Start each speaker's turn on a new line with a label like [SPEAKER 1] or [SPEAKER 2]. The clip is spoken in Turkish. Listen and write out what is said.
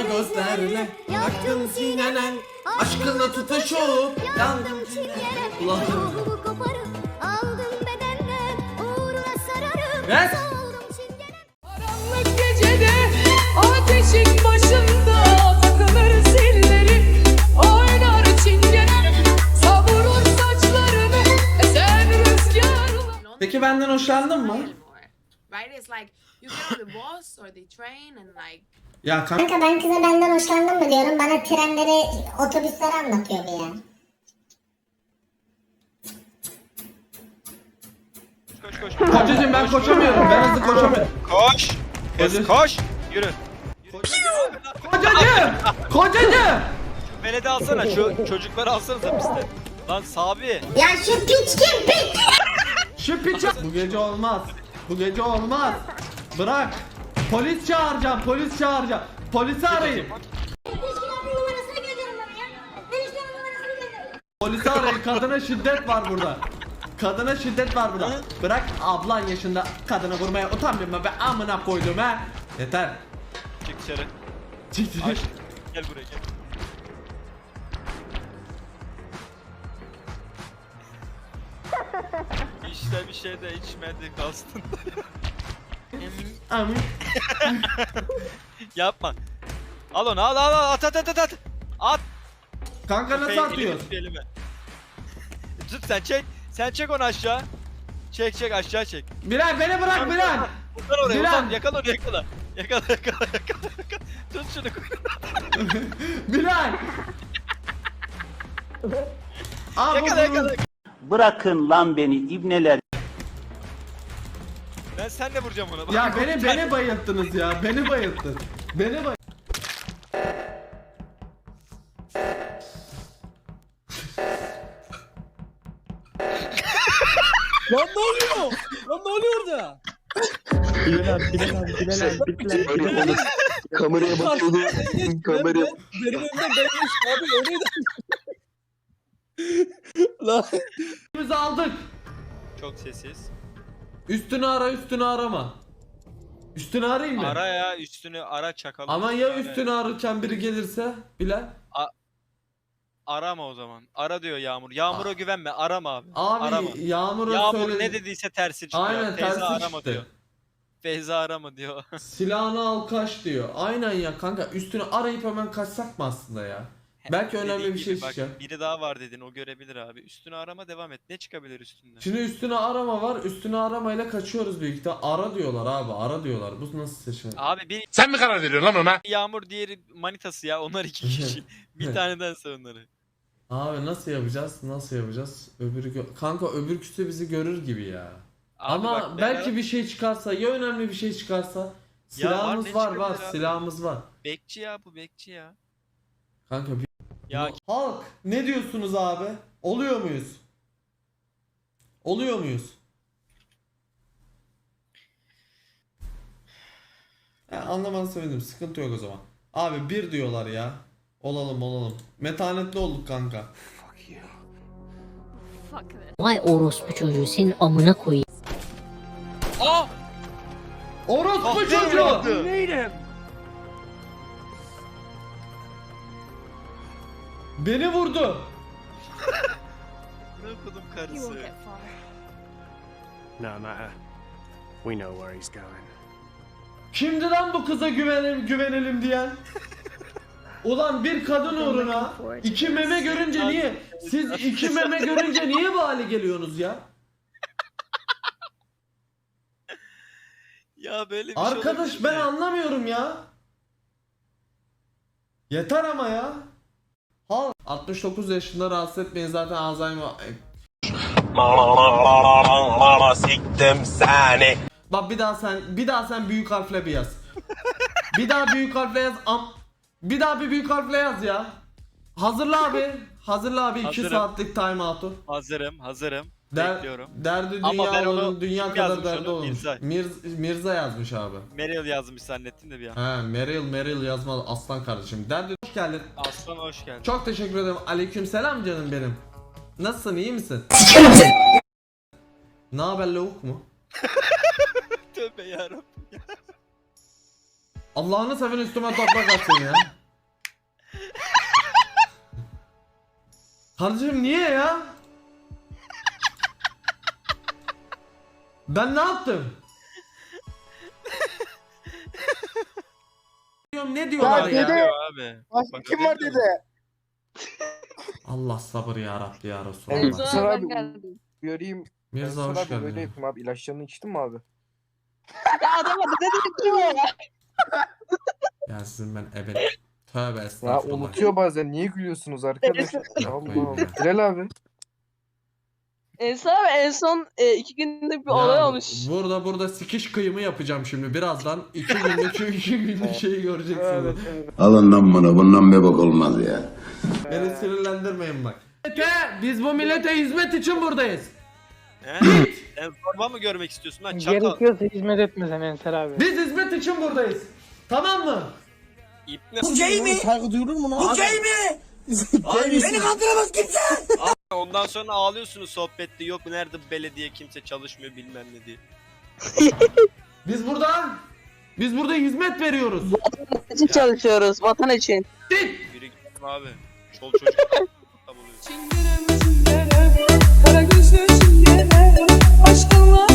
[SPEAKER 1] kara gözlerle yaktım sinenen, aşkınla tutuşup yandım çingene. Ruhumu koparıp aldım bedenden, uğruna sararım soğudum çingene.
[SPEAKER 2] Karanlık gecede ateşin başında takılır zilleri, oynar çingene, savurur saçlarını esen rüzgarla.
[SPEAKER 1] Peki benden hoşlandın mı?
[SPEAKER 3] Right? It's like you get on the bus or the train and like
[SPEAKER 1] Ya kanka
[SPEAKER 4] Kanka ben kıza benden hoşlandın mı diyorum. Bana trenleri, otobüsleri anlatıyor bir ya.
[SPEAKER 5] Koş.
[SPEAKER 1] kocacığım ben koşamıyorum. Ben hızlı koşamıyorum.
[SPEAKER 5] Koş. Kız
[SPEAKER 1] Koca-
[SPEAKER 5] koş. Yürü.
[SPEAKER 1] Kocacığım! Kocacığım!
[SPEAKER 5] Beledi alsana şu çocukları alsanıza piste. Lan Sabi.
[SPEAKER 4] Ya şu piç kim piç?
[SPEAKER 1] Şu piça... Bu gece olmaz. Bu gece olmaz. Bırak. Polis çağıracağım. Polis çağıracağım. Polisi arayın. Polisi arayın. Kadına şiddet var burada. Kadına şiddet var burada. Bırak ablan yaşında kadını vurmaya utanmıyor mu be, amına koydum ha. Yeter.
[SPEAKER 5] Çık dışarı.
[SPEAKER 1] Çık.
[SPEAKER 5] Aç. Gel buraya gel. İşte bir şey de içmedik aslında.
[SPEAKER 1] Amin.
[SPEAKER 5] Yapma. Al onu al at. At.
[SPEAKER 1] Kanka nasıl
[SPEAKER 5] Elimi
[SPEAKER 1] atıyorsun?
[SPEAKER 5] tut elime. Tut sen çek. Sen çek onu aşağı. Çek aşağı çek.
[SPEAKER 1] Bilal beni bırak Bilal.
[SPEAKER 5] Uzan oraya
[SPEAKER 1] Bilal.
[SPEAKER 5] uzan. Yakala onu yakala. Yakala. Tut şunu koy.
[SPEAKER 1] Bilal. Aa,
[SPEAKER 5] Yakala.
[SPEAKER 6] Bırakın lan beni ibneler.
[SPEAKER 5] Ben senle vuracağım ona.
[SPEAKER 1] Ya beni bayılttınız ya. Beni bayılttın. Beni bay...
[SPEAKER 7] Lan ne oluyor? Lan ne oluyor orada?
[SPEAKER 8] Bilal. Kameraya bakıyordu. Kameraya.
[SPEAKER 7] Benim önümden benmiş abi öyleydi. Lan.
[SPEAKER 1] Biz aldık.
[SPEAKER 5] Çok sessiz.
[SPEAKER 1] Üstünü arama. Üstünü arayayım mı?
[SPEAKER 5] Ara ya üstünü ara çakalım.
[SPEAKER 1] Ama ya üstünü ararken biri gelirse Bilal.
[SPEAKER 5] Arama o zaman. Ara diyor Yağmur. Yağmur'a güvenme. Arama abi.
[SPEAKER 1] Abi
[SPEAKER 5] Arama.
[SPEAKER 1] Yağmur'a
[SPEAKER 5] Yağmur
[SPEAKER 1] söyle.
[SPEAKER 5] ne dediyse tersi çıkıyor.
[SPEAKER 1] Aynen
[SPEAKER 5] Feyza
[SPEAKER 1] tersi
[SPEAKER 5] arama
[SPEAKER 1] çıktı.
[SPEAKER 5] diyor. Feyza arama diyor.
[SPEAKER 1] Silahını al kaç diyor. Aynen ya kanka, üstünü arayıp hemen kaçsak mı aslında ya? Belki önemli
[SPEAKER 5] Dediğin
[SPEAKER 1] bir şey
[SPEAKER 5] gibi bak,
[SPEAKER 1] çıkacak.
[SPEAKER 5] biri daha var dedin o görebilir abi. Üstünü arama devam et. Ne çıkabilir üstünden?
[SPEAKER 1] Şimdi üstüne arama var. Üstüne aramayla kaçıyoruz büyük ihtimal. Ara diyorlar abi. Ara diyorlar. Bu nasıl seçenek?
[SPEAKER 5] Abi bir
[SPEAKER 8] Sen mi karar veriyorsun lan ona?
[SPEAKER 5] Yağmur diğeri manitası ya. Onlar iki kişi. Bir tanedense onları.
[SPEAKER 1] Abi nasıl yapacağız? Nasıl yapacağız? Kanka öbürküsü bizi görür gibi ya.
[SPEAKER 5] Abi
[SPEAKER 1] Ama
[SPEAKER 5] bak,
[SPEAKER 1] belki bir şey çıkarsa, ya önemli bir şey çıkarsa, silahımız
[SPEAKER 5] ne
[SPEAKER 1] var
[SPEAKER 5] çıkabilir abi?
[SPEAKER 1] silahımız var.
[SPEAKER 5] Bekçi ya bu bekçi ya.
[SPEAKER 1] Kanka bir...
[SPEAKER 5] Ya
[SPEAKER 1] Halk ne diyorsunuz abi? Oluyor muyuz? Oluyor muyuz? Anlamanı sevindim. Sıkıntı yok o zaman. Abi bir diyorlar ya. Olalım. Metanetli olduk kanka.
[SPEAKER 4] Vay orospu çocuğu senin amına koyayım.
[SPEAKER 5] Aa!
[SPEAKER 1] Orospu
[SPEAKER 5] Kahve
[SPEAKER 1] çocuğu!
[SPEAKER 5] evladı.
[SPEAKER 1] Beni vurdu.
[SPEAKER 5] Ne okudum
[SPEAKER 3] you
[SPEAKER 5] karısı.
[SPEAKER 3] won't get far.
[SPEAKER 8] No, not her. We know where he's going.
[SPEAKER 1] Kimdi lan bu kıza güvenelim diyen? Ulan bir kadın uğruna iki meme görünce niye? Siz iki meme görünce niye bu hale geliyorsunuz ya?
[SPEAKER 5] Ya böyle bir şey
[SPEAKER 1] Arkadaş
[SPEAKER 5] olabilir
[SPEAKER 1] ben
[SPEAKER 5] mi?
[SPEAKER 1] anlamıyorum ya. Yeter ama ya. 69 yaşında rahatsız etmeyin, zaten Alzheimer.
[SPEAKER 8] Siktim seni.
[SPEAKER 1] Bak bir daha sen büyük harfle bir yaz. Bir daha büyük harfle yaz. Bir daha bir büyük harfle yaz ya. Hazırla abi 2
[SPEAKER 5] Hazırım.
[SPEAKER 1] saatlik time out'u.
[SPEAKER 5] Hazırım. Bekliyorum.
[SPEAKER 1] Derdi
[SPEAKER 5] Ama ben
[SPEAKER 1] dünya
[SPEAKER 5] onu
[SPEAKER 1] onun dünya
[SPEAKER 5] kim
[SPEAKER 1] kadar
[SPEAKER 5] yazmış
[SPEAKER 1] derdi
[SPEAKER 5] onu?
[SPEAKER 1] olmuş.
[SPEAKER 5] Mirza.
[SPEAKER 1] Mirza yazmış abi.
[SPEAKER 5] Meryl yazmış zannettim de bir an.
[SPEAKER 1] He Meryl yazmalı aslan kardeşim. Derdi hoş geldin.
[SPEAKER 5] Aslan hoş geldin.
[SPEAKER 1] Çok teşekkür ederim. Aleykümselam canım benim. Nasılsın, iyi misin? Ne haber lavuk mu?
[SPEAKER 5] Tövbe yarabbim ya.
[SPEAKER 1] Allah'ını seven üstüme toprak atsın ya. Kardeşim niye ya? Ben ne yaptım? Ne diyorlar ya?
[SPEAKER 5] Abi.
[SPEAKER 9] Başka kim var dedi.
[SPEAKER 1] Allah sabır ya Rabbi ya
[SPEAKER 9] Evet.
[SPEAKER 1] Resulallah.
[SPEAKER 9] Sıra abi göreyim.
[SPEAKER 1] Mirza
[SPEAKER 9] Sıra
[SPEAKER 1] hoş
[SPEAKER 9] abi böyle
[SPEAKER 1] geldin.
[SPEAKER 9] yapayım abi. İlaçlarını içtin mi abi?
[SPEAKER 1] Ya sizin ben ebe... Tövbe
[SPEAKER 9] Ya
[SPEAKER 1] estağfurullah.
[SPEAKER 9] unutuyor bazen. Niye gülüyorsunuz arkadaşlar?
[SPEAKER 1] Yapmayın
[SPEAKER 9] Allah
[SPEAKER 1] ya.
[SPEAKER 9] Allah. Bilal abi.
[SPEAKER 10] Ensar abi en son 2 günlük bir olay
[SPEAKER 1] Ya,
[SPEAKER 10] olmuş.
[SPEAKER 1] Burada sikiş kıyımı yapacağım şimdi. Birazdan 2 günlük şeyi göreceksiniz.
[SPEAKER 6] Alından bana bundan bir bak olmaz ya.
[SPEAKER 1] Beni sinirlendirmeyin bak. Biz bu millete hizmet için buradayız.
[SPEAKER 5] He? Sen forma mı görmek istiyorsun lan çakal?
[SPEAKER 7] Gerekiyorsa hizmet etmesen Ensar abi.
[SPEAKER 1] Biz hizmet için buradayız. Tamam mı?
[SPEAKER 5] İpne.
[SPEAKER 7] Saygı duyulur mu lan? Bu Beni kandıramaz kimse.
[SPEAKER 5] Ondan sonra ağlıyorsunuz sohbette. Yok nerede bu belediye kimse çalışmıyor bilmem ne diye.
[SPEAKER 1] Biz burada hizmet veriyoruz.
[SPEAKER 10] için çalışıyoruz vatan için.
[SPEAKER 5] Yürü gittim abi. Çol çocuk. Tam oluyor.
[SPEAKER 2] Çingene mi çingene, kara gözlü çingene, aşkınla